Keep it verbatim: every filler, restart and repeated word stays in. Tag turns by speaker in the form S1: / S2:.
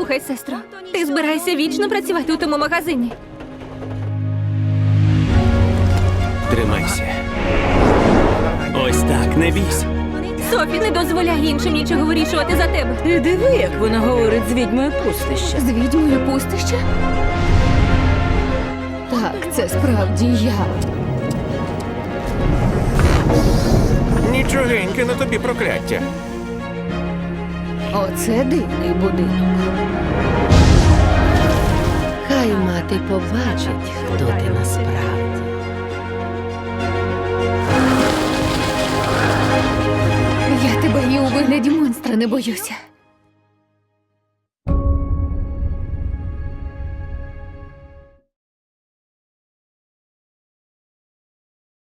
S1: Послухай, сестро, ти збираєшся вічно працювати у тому магазині.
S2: Тримайся. Ось так, не бійся.
S1: Софі не дозволяє іншим нічого вирішувати за тебе.
S3: Ти диви, як вона говорить з відьмою пустища.
S1: З відьмою пустища? Так, це справді я.
S2: Нічогеньке на тобі прокляття.
S1: Оце дивний будинок.
S3: Хай мати побачить, хто ти насправді.
S1: Я тебе і у вигляді монстра не боюся.